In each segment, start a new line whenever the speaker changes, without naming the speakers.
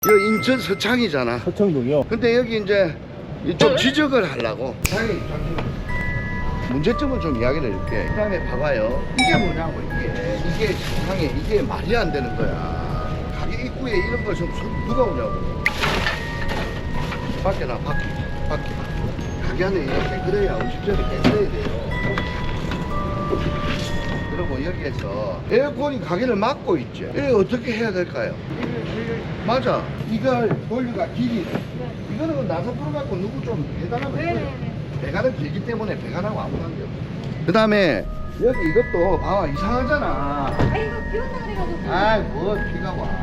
여기 인천 서창이잖아.
서창동이요?
근데 여기 이제 좀 지적을 하려고. 문제점을 좀 이야기를 해줄게. 그 다음에 봐봐요. 이게 뭐냐고, 이게 세상에 이게 말이 안 되는 거야. 가게 입구에 이런 걸 좀 누가 오냐고. 밖에 나, 밖에. 가게 안에 이렇게 그래야 음식점이 깨끗해야 돼요. 그리고 여기에서 에어컨이 가게를 막고 있지. 이거 어떻게 해야 될까요? 맞아. 이걸 돌리가 길이. 이거는 나서 풀어갖고 누구 좀 배달하면 돼요. 배관은 길기 때문에 배관하고 아무 관계 없어. 그 다음에 여기 이것도 봐봐 이상하잖아.
아 이거 비 온다 그래가지고.
아이 뭐 비가 와.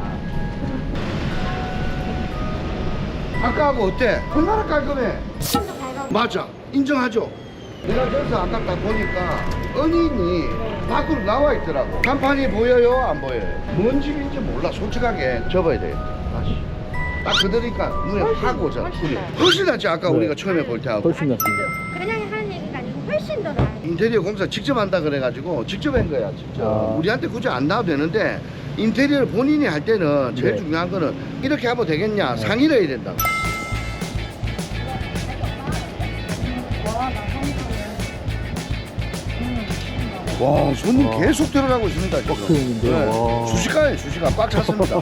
아까하고 어때? 얼마나 깔끔해?
좀더 밝아.
맞아. 인정하죠? 내가 저기서 아까 딱 보니까 은인이 밖으로 나와 있더라고. 간판이 보여요? 안 보여요? 뭔 집인지 몰라. 솔직하게 접어야 되겠다. 다시. 딱 그러니까 눈에 확 오잖아. 훨씬 낫지 아까
네.
우리가 처음에 볼 때하고.
훨씬 낫습니다.
그냥 하는 얘기가 아니고 훨씬 더 나아요.
인테리어 공사 직접 한다 그래가지고 직접 한 거야 직접.
아.
우리한테 굳이 안 나와도 되는데 인테리어를 본인이 할 때는 제일
네.
중요한 거는 이렇게 하면 되겠냐 상의를 해야 된다고. 와 손님
와.
계속 들어가고 있습니다 지금.
빡세는데요. 와.
수시간에 수시간 꽉 찼습니다.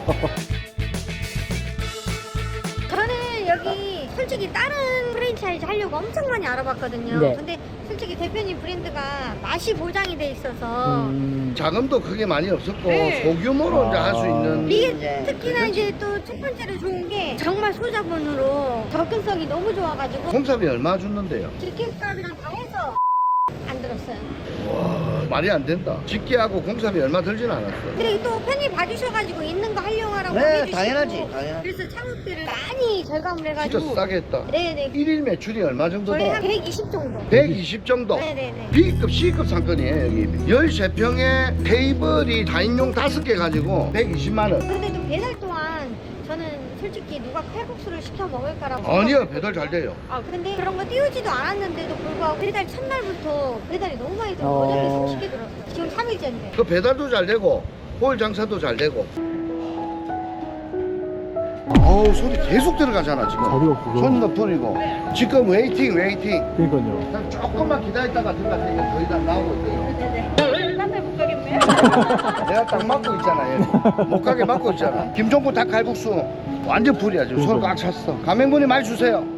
저는 여기 솔직히 다른 프랜차이즈 하려고 엄청 많이 알아봤거든요.
네.
근데 솔직히 대표님 브랜드가 맛이 보장이 돼 있어서
자금도 크게 많이 없었고
네.
소규모로 이제 할 수 있는.
이게 특히나 이제 또 첫 번째로 좋은 게 정말 소자본으로 접근성이 너무 좋아가지고
공사비 얼마 줬는데요?
직계값이랑 다 해서 안 들었어요.
와 말이 안 된다. 집계하고 공사비 얼마 들진 않았어.
그리고 또 편히 봐주셔가지고 있는 거 활용하라고
네,
해주시고
당연하지.
그래서 창업비를 많이 절감을
진짜
해가지고
싸게 했다.
네네
1일 매출이 얼마 정도
저희
돼?
한 120 정도
120 정도.
네네네
B급, C급 상권이에요 여기. 13평에 테이블이 4인용 5개 가지고 120만 원.
근데 좀 배달 또한 저는 솔직히 누가 칼국수를 시켜 먹을까라고
아니요
생각했거든요.
배달 잘 돼요.
아 근데 그런 거 띄우지도 않았는데도 불구하고 배달 첫날부터 배달이 너무 많이 들어서
어.
어저께 30개 들었어요. 지금 3일째인데
그 배달도 잘 되고 홀 장사도 잘 되고. 어우 소리 계속 들어가잖아 지금.
자리가 없어서.
손도 풀리고. 지금 웨이팅.
그러니까요.
그냥 조금만 기다렸다가 들어가서 거의 다 나오고 있어요.
네네 딴데 못 가겠네요.
내가 딱 막고 있잖아 여기. 못 가게 막고 있잖아. 김종국 닭칼국수 완전 풀이야 지금. 손 꽉 찼어. 가맹분이 많이 주세요.